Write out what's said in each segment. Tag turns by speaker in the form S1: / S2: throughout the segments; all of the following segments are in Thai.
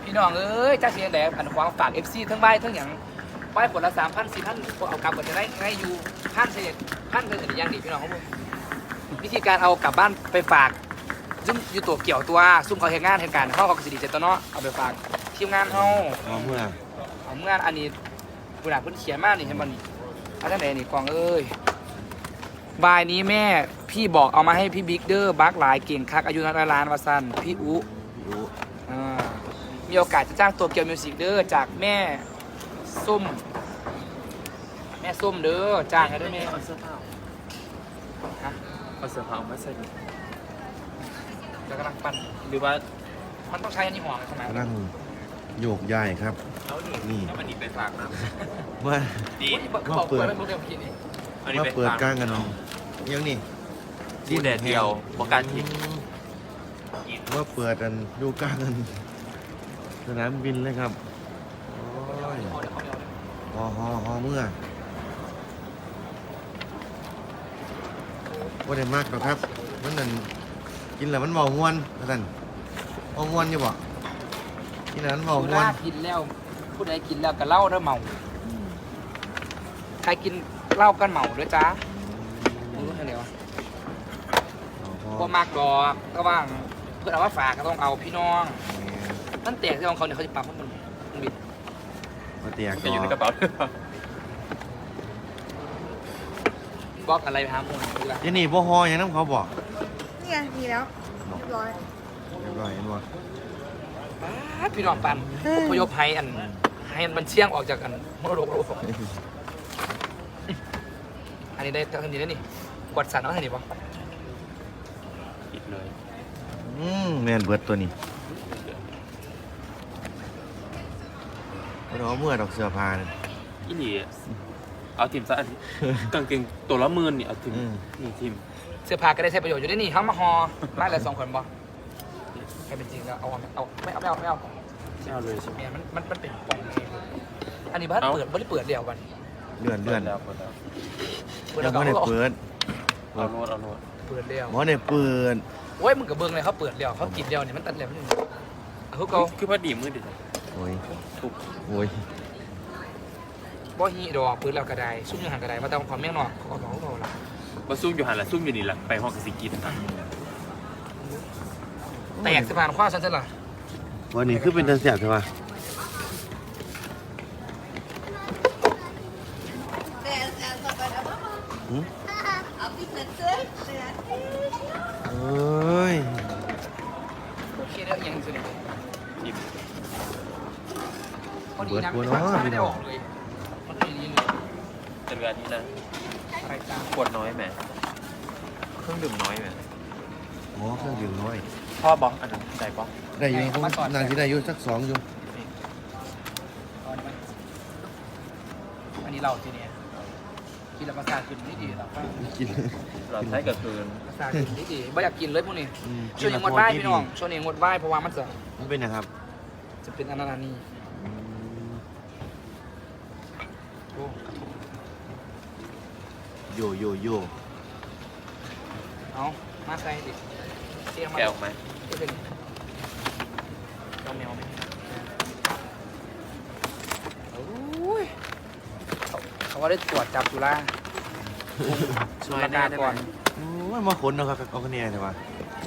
S1: พี่น้องเอ้ยจ้าเสียงแดดอันความฝาก FC ทั้งใบทั้งอย่างใบผลละ3,000 4,000เอากลับก็จะได้ให้อยู่พันเป็นอย่างดีพี่น้องครับผมวิธีการเอากลับบ้านไปฝากซึ่งอยู่ตัวเกี่ยวตัวซุ่มเขาเห็นงานเห็นการเขาก็สิดีเจตเนาะเอาไปฝากทีมงานเขา
S2: เอาเมื่อ
S1: เอางานอันนี้ผู้หลักเพิ่นเขียนมากนี่เห็นบ่นี่เอาจังไหนนี่กองเอ้ยบายนี้แม่พี่บอกเอามาให้พี่บิ๊กเดอร์บักหลายเก่งคักอายุนักล้านวาซันพี่อุ
S2: รู้
S1: มีโอกาสจะจ้างตัวเกียวมิวสิกเด้อจากแม่ส้มเด้อจ้างให้ด้วยแม่
S3: เอาเสื้อผ้า
S1: ฮะ
S3: เอาเสื้อผ้ามาใส่
S1: จะกำลังปั้น
S3: หรือว่า
S1: มันต้องใช้อันนี้ห่อขนาด
S2: กำลังโยกย้ายครับ
S3: เอาดิ
S2: นี่
S3: เอามันนี่ไปฝากนะ
S2: ว่า
S3: ดี
S1: บอกเปิดไม่รู้เรื่องพี่นี่
S3: เอานี่
S2: ว่า
S3: ไป
S2: เปิด
S3: ฝาก
S2: กลางกันเนาะยังนี่
S3: ที่แดดเดียวบอกการทิ้ง
S2: ว่าเปิดกันดูกลางกันสนามบินเลยครับโอ้ย
S1: เอาเดี๋ยวเขาไม่เอาเลย
S2: ฮอเมื่อว่าได้มากหรอกครับมันนั่นกินแล้วมันเบาม้วนท่านเบาม้วนอยู่บ่กินแล้วมันเบา
S1: เว
S2: ม้วน
S1: ลากินแล้วผู้ใดกินแล้วก็เหล้าเด้อเมาใครกินเหล้ากันเมาด้วยจ้ารู้เท่าไหร่วะก็มากดอกก็ว่างเพื่อนเอาว่าฝากก็ต้องเอาพี่น้องนั่นแตกที่ของเขาเนี่ยเขาจะปั๊มมันบิด
S2: มาเตียก
S3: จะอยู่ในกระเป๋า
S1: บล็อกอะไรไปหาหมูคืออะไร
S2: เดี๋ยวนี่บ่ฮออย่างนั้นเขาบอก
S4: นี่ไงมีแล้วเรียบร้อย
S2: เรียบร้อยเห็นบ่
S1: พี่น้องปันพยพให้มันเชี่ยงออกจากกันมรดกโลกอันนี้ได้เท่านี้แล้วนี่กวดสันเอาเท่านี้ปะ
S3: ปิดเลย
S2: แม่นเบิดตัวนี้เราเมื่อดอกเสื้อผ้าเนี่ย
S3: อีหลีเอาทีมซะอันนี้กางเกงตัวละ10,000นี่เอาทีมนี่ทีม
S1: เสื้อผ้าก็ได้ใช้ประโยชน์อยู่ได้นี่ทั้งมาฮอไล่ละ2 คนปะใครเป็นจริงแล้วเอาไม่เอา
S3: ไม่เอาเลยใช่ไหม
S1: เนี่ยมันเป็นปองเองอันนี้บ้านเปิดเปิดเดียวกัน
S2: เลื่อน
S3: แล้วเปิดแล้ว
S2: ยังไม่ได้เปิด
S3: เอาโน้ตเอาโน้ต
S1: เปิดเดียว
S2: หมอได้เปิด
S1: โอ้ยมึงกับเบิ้งเลยเขาเปิดเดียวเขากินเดียวเนี่ยมันตัดเดียวไม่ได้เขาเขา
S3: คือพอดีมือดิ
S2: โอ้ย
S3: ถูก
S2: โอ้ย
S1: บ่ฮีดอกปืนแล้วกระไดซุ่มยังหันกระไดมาแต่ความแม่งนอกเขาเขาละ
S3: มาซุ่มอยู่หันละซุ่มอยู่นี่แหละไปห้องกสิกินนะ
S1: แตกสะพานขว้าฉันจะล่ะ
S2: วันนี้คือเป็นตาเสียบใช่ปะ
S4: แต่ต่อไปแล้วว่าเอาไปเสร็จเลย
S2: เอ้ย
S1: โอเคเดี๋ยวยังสุด
S3: ทีม
S1: พอดีนะไม่ได้ออกเลยมันไม่ดีเลย
S3: แต่เวลานี้นะ
S1: อะไรจ้า
S3: ขวดน้อยไหมเครื่องดื่มน้อยไหม
S2: หมอเครื่องดื่มน้อย
S3: พ่อบอกอันนั้นใส่บอก
S2: ได้อยู่ผมนางที่ได้อยู่สัก2อยู่
S1: อันนี้เราทีเนี้ยกินแล้วประสาทขึ้นไม่ดีหรอก
S2: กิน
S3: เราใช้กับคืน
S1: ประสาทขึ้นไม่ดีไม่อยากกินเลยพวกนี้ช่วงนี้งดไหว้พี่น้องช่วงนี้งดไหว้เพราะว่ามันจะ
S2: มันเป็นนะครับ
S1: จะเป็นอนานีโอ้
S2: โยโยโย
S1: เอามาใส่ดิเสียงมา
S3: แกะออกไหม
S1: เป็นเอาแมวไหมโอ้ยเขาว่าได้ตรวจจับจุฬา
S3: ช่วย
S1: ประ
S3: แน่
S1: กาศ
S3: ได้
S1: ก่
S3: ไห
S1: อ
S3: ม
S1: น
S2: โอ้ยมาขนเนาะครับเอาคะแนนใช่ปะ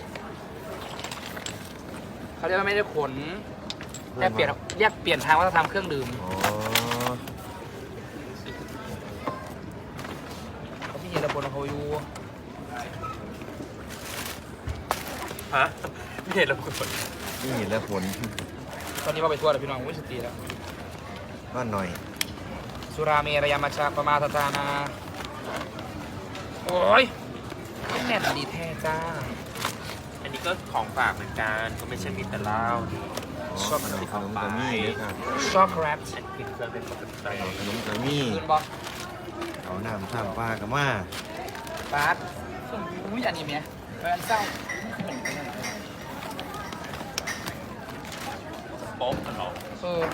S1: เขาเรียกว่าไม่ได้ขนแยกเปลี่ยนทางวัฒนธรรมเครื่องดื่ม
S2: อ๋อ
S1: เขาพี่เห็นระบบของเขาอยู่
S3: ฮะไม่เห็นเราคน
S2: นี่เห็นแล้วผล
S1: ตอนนี้ว่าไปทัวร์แล้วพี่น้องวิสติแล้ว
S2: ก็หน่อย
S1: สุราเมรยามาชาปมาทานาโอ้ยแน่นดีแท้จ้า
S3: อันนี้ก็ของฝากเหมือนกันก็ไม่ใช่มีแต่เหล้านี่
S2: ชอบขนมกะมี่ด้วยครับ
S1: ชอบแครป
S3: อันกินเครื่องเป็นปกติ
S2: ขนมกะมี่
S1: คืนบอล
S2: เอาน้ำท่ามปลากะมา
S1: บาสอุ้ยอันนี้เมียแฟนเศร้า
S3: โป๊ะกันหรอ
S1: เออ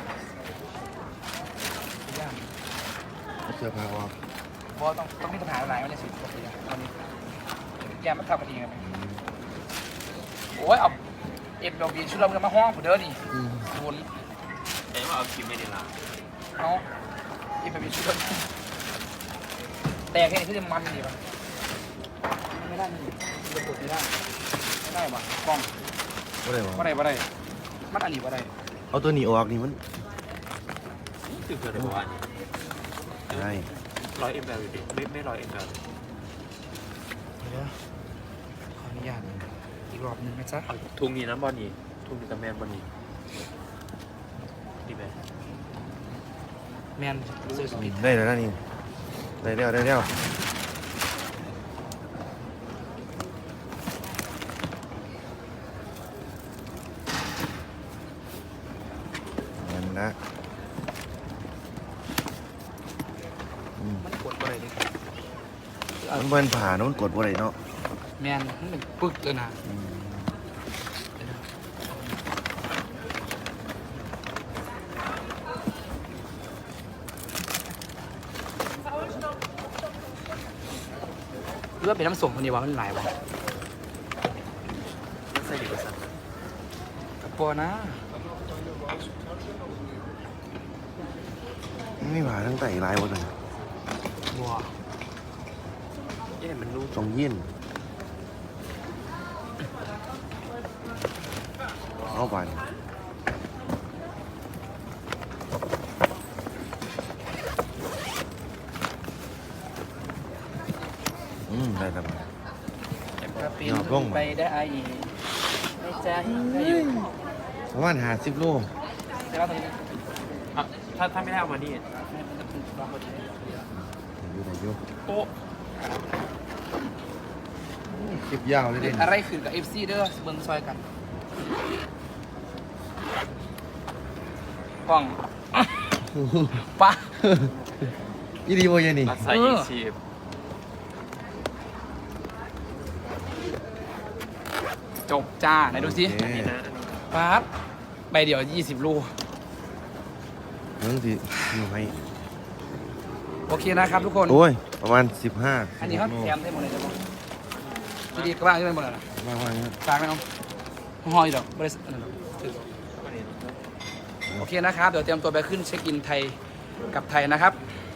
S2: เสื้อผ้าออก
S1: บอลต้องมีปัญหาอะไรไม่ได้สิปกติตอนนี้แกไม่ทำกันเองไหมโอ้ยเอาเอฟดอกบีชุดเราเงินมาห้องผมเด้อนี่
S2: อืม
S1: ศูนย์
S3: แต่ว่าเอาคลิปไม่ได้ละ
S1: เอาเอฟดอกบีชุดเราแต่แค่นี้ที่จะมันดีป่ะไม่ได้นี่จะกดไม่ได้ไม่ได้ป่ะกล้อง
S2: บ่ได้บ่
S1: ว่าได้มันอันนี้ว่าได้
S2: เอาตัวนี้ออกนี่มัน
S3: คือเกิดอะไรวะ
S2: ได้
S3: 100 ml อยู่ดิไม่100 ml
S1: เดี๋ยวขออนุญาตอีกรอบหนึ่งนะจ๊ะ
S3: เอาทุงนี้นะบอลนี่ทุงนี้กับแมนบอลนี่ดีไหม
S1: แมนเซอร์สปิด
S2: ได้แล้วนะนี่ได้แล้วนั่นนะอืม
S1: มันกดอะไรดิ
S2: มันเบิ่นผ่าเนอะมันกดบ่ได้เนาะ
S1: แมนมันเป็นปึกเลยนะ
S2: อืม
S1: หรือว่าเป็นน้ำส่งคนนี้วะมันหลายวะ
S3: ไม่ใช่ดีกว่าสัน
S1: กับปัวนะ
S2: ไม่ผ่าทั้งไตลายบ่เลย
S1: บัว
S3: เอ๊ะมันรู้
S2: ตรงยินเอาไปได้แล้ว
S1: กระปิ
S2: ยอดลง
S1: ไปได้ไม่ใจได้อยู่
S2: ประมาณ50 โล
S1: แต่ว่าตรงนี้
S3: อ่ะถ้าไม่ได้เอามานี่
S1: มันจะเป็นรอบพอดี
S2: ได้อยู่
S3: โป๊ะ
S2: คลิปยาวเลย
S1: เด็
S2: เด่
S1: ก
S2: น
S1: อะไรขึ้นกับ FC เด้อเบิ่งซอยกันกล้องปะ
S2: อีดีโมยนี่
S3: รักษายิงชีพ
S1: จบจ้าไหนดูสิ
S3: อันนี้นะอันนี้
S1: ปั๊บใบเดียว20 ลูก
S2: เรื่องที่อยู่ให้
S1: โอเคนะครับทุกคน
S2: โอ้ย ประมาณ 15
S1: อันนี้เขาแถมให้หมดเลยจ้ะบอกจะดีก็บ้างใช่ไหมหมดเลยนะ
S2: ประมาณนี้
S1: ฝากไหมเอาห้อยดอกบริษัทนั่นหรอกถือ
S3: อันนี้
S1: โอเคนะครับ เดี๋ยวเตรียมตัวไปขึ้นเช็คอินไทยกับไทยนะครับ
S2: ค